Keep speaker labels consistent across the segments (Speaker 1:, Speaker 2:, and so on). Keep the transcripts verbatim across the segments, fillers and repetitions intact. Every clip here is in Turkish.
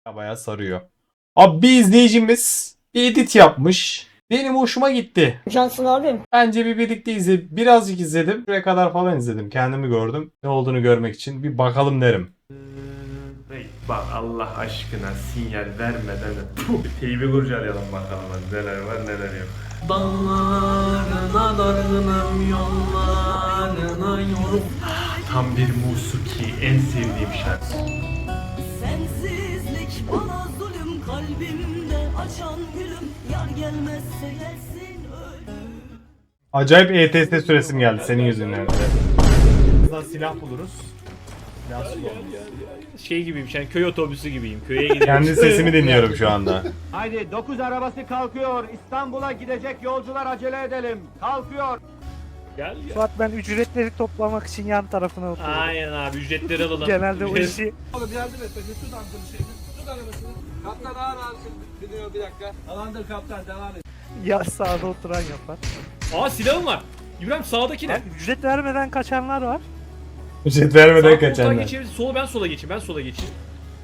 Speaker 1: Bayağı sarıyor. Abi bir izleyicimiz bir edit yapmış. Benim hoşuma gitti.
Speaker 2: Cansın abim.
Speaker 1: Bence bir birlikte izle, birazcık izledim. Buraya kadar falan izledim. Kendimi gördüm. Ne olduğunu görmek için bir bakalım derim.
Speaker 3: Hey, bak Allah aşkına sinyal vermeden Puh, teybi kurcalayalım bakalım hadi neler var neler yok. Dağlarına dargınım yollarına yorum. Tam bir musuki, en sevdiğim şarkı.
Speaker 4: Sensizlik bana zulüm, kalbimde açan gülüm, yar gelmezse gelsin ölüm.
Speaker 1: Acayip E T S süresim geldi senin yüzünden. Buradan silah buluruz. Silah
Speaker 5: Şey gibiyim, yani köy otobüsü gibiyim. Köye gidiyorum.
Speaker 1: Kendi sesimi dinliyorum şu anda.
Speaker 6: Haydi dokuz arabası kalkıyor. İstanbul'a gidecek yolcular acele edelim. Kalkıyor.
Speaker 5: Gel ya.
Speaker 7: Suat ben ücretleri toplamak için yan tarafına oturuyorum.
Speaker 5: Aynen abi, ücretleri alalım.
Speaker 7: Genelde o işi
Speaker 8: Oğlum yardım et. Tut ampulü şeyini. Tut arabasını. Kaptan ağır ağır biniyor bir dakika. Tamamdır kaptan devam et.
Speaker 7: ya sağda oturan yapar.
Speaker 5: Aa, silahım var. İbrahim, sağdaki ne?
Speaker 7: Ya, ücret vermeden kaçanlar var.
Speaker 1: Ücret vermeden
Speaker 5: Sağ koltuğa
Speaker 1: kaçanlar.
Speaker 5: geçelim. Sola ben sola geçeyim. Ben sola geçeyim.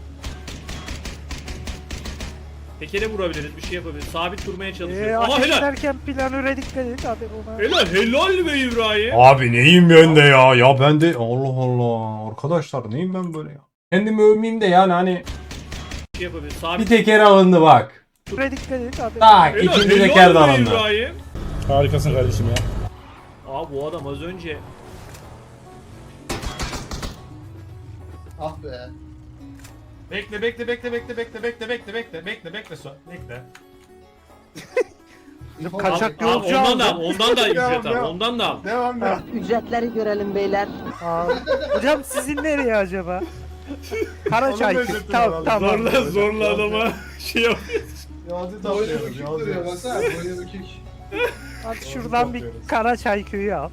Speaker 5: Tekere vurabiliriz, bir şey yapabiliriz. Sabit durmaya çalışıyoruz.
Speaker 7: Eee
Speaker 5: Aha, helal.
Speaker 7: ateşlerken planöre dikkat edin abi ona.
Speaker 5: Helal, helal be İbrahim.
Speaker 1: Abi neyim ben de ya? Ya ben de Allah Allah. Arkadaşlar neyim ben böyle ya? Kendimi övmeyeyim de yani hani
Speaker 5: Bir şey yapabiliriz.
Speaker 1: bir
Speaker 5: Sabit.
Speaker 1: teker alındı bak.
Speaker 7: Planöre dikkat edin abi.
Speaker 1: Tak
Speaker 5: Helal,
Speaker 1: ikinci
Speaker 5: helal
Speaker 1: teker de
Speaker 5: be
Speaker 1: alındı.
Speaker 5: İbrahim.
Speaker 9: Harikasın kardeşim ya.
Speaker 5: Aa, bu adam az önce
Speaker 8: Ah be.
Speaker 1: Bekle bekle bekle bekle bekle bekle bekle bekle bekle bekle so bekle.
Speaker 7: Kaçak
Speaker 5: Abi,
Speaker 7: yolcu
Speaker 5: ondan da al,
Speaker 7: aldı.
Speaker 5: ondan da al ücret
Speaker 1: Devam,
Speaker 5: al,
Speaker 1: devam.
Speaker 5: ondan da al.
Speaker 1: Devam devam.
Speaker 2: Ücretleri görelim beyler.
Speaker 7: Aa, hocam sizin nereye acaba? Karaçay.
Speaker 1: Onun da ücreti
Speaker 7: Tamam
Speaker 1: var abi.
Speaker 7: tamam.
Speaker 5: Zorla zorla adama şey yap.
Speaker 1: Yolcu
Speaker 8: Boynu
Speaker 1: topluyoruz
Speaker 8: bükük duruyor
Speaker 1: yolcu.
Speaker 8: baksana. Boynu bükük.
Speaker 7: Hadi şuradan bir Karaçay köyü al.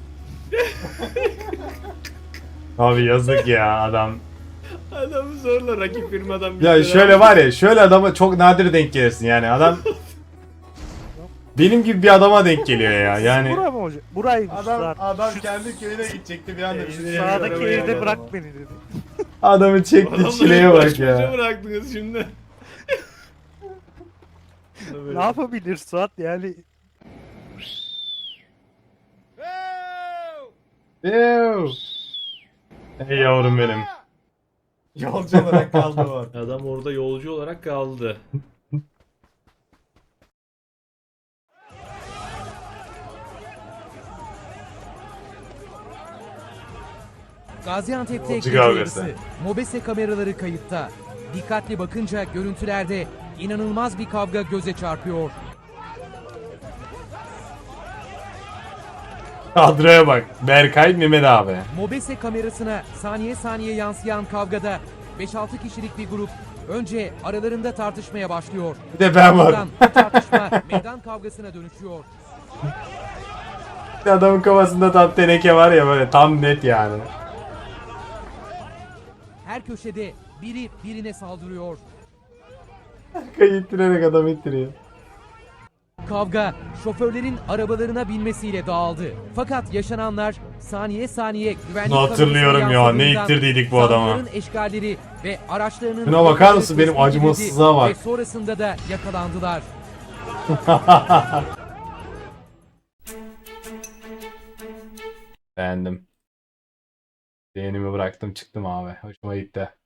Speaker 1: Abi yazık ya adam.
Speaker 5: Adamı zorla rakip firmadan bir
Speaker 1: Ya
Speaker 5: şeyler
Speaker 1: şöyle
Speaker 5: al.
Speaker 1: var ya şöyle adama çok nadir denk gelirsin yani adam benim gibi bir adama denk geliyor ya yani.
Speaker 7: Bura mı hocam? Buraymış
Speaker 1: Adam
Speaker 7: zaten.
Speaker 1: adam
Speaker 7: Şu
Speaker 1: kendi köyüne gidecekti bir anda.
Speaker 5: Ee,
Speaker 7: sağdaki
Speaker 5: arabaya
Speaker 7: evde
Speaker 5: al
Speaker 7: bırak
Speaker 1: adamı.
Speaker 7: beni dedi.
Speaker 1: Adamı çekti
Speaker 5: Adamları
Speaker 1: çileye bak
Speaker 5: baş başa
Speaker 1: ya.
Speaker 5: bıraktınız şimdi.
Speaker 7: Ne yapabilir Suat yani?
Speaker 1: Ew. Ey yavrum benim. Yolcu olarak kaldı var.
Speaker 5: Adam orada yolcu olarak kaldı.
Speaker 10: Gaziantep'te
Speaker 1: Yolcu
Speaker 10: gece
Speaker 1: kavgası.
Speaker 10: yarısı Mobese kameraları kayıtta. Dikkatli bakınca görüntülerde inanılmaz bir kavga göze çarpıyor.
Speaker 1: Kadroya bak. Berkay Mehmet abi.
Speaker 10: Mobese kamerasına saniye saniye yansıyan kavgada beş altı kişilik bir grup önce aralarında tartışmaya başlıyor.
Speaker 1: Bir de ben varım.
Speaker 10: Ardından bu tartışma meydan kavgasına dönüşüyor.
Speaker 1: Adamın kafasında tam teneke var ya böyle tam net yani.
Speaker 10: Her köşede biri birine saldırıyor.
Speaker 1: Kayıttırerek adam ittiriyor.
Speaker 10: Kavga şoförlerin arabalarına binmesiyle dağıldı. Fakat yaşananlar saniye saniye güvenlik
Speaker 1: Bunu hatırlıyorum
Speaker 10: kamerasına
Speaker 1: ya, ne
Speaker 10: yansıdığından
Speaker 1: ittirdiydik bu adama.
Speaker 10: zanlıların eşgalleri ve araçlarının
Speaker 1: Şuna bakar mısın, benim
Speaker 10: tespit edildi
Speaker 1: acımasızlığa bak.
Speaker 10: Ve sonrasında da yakalandılar.
Speaker 1: Beğendim. Beğenimi bıraktım çıktım abi. Hoşuma gitti.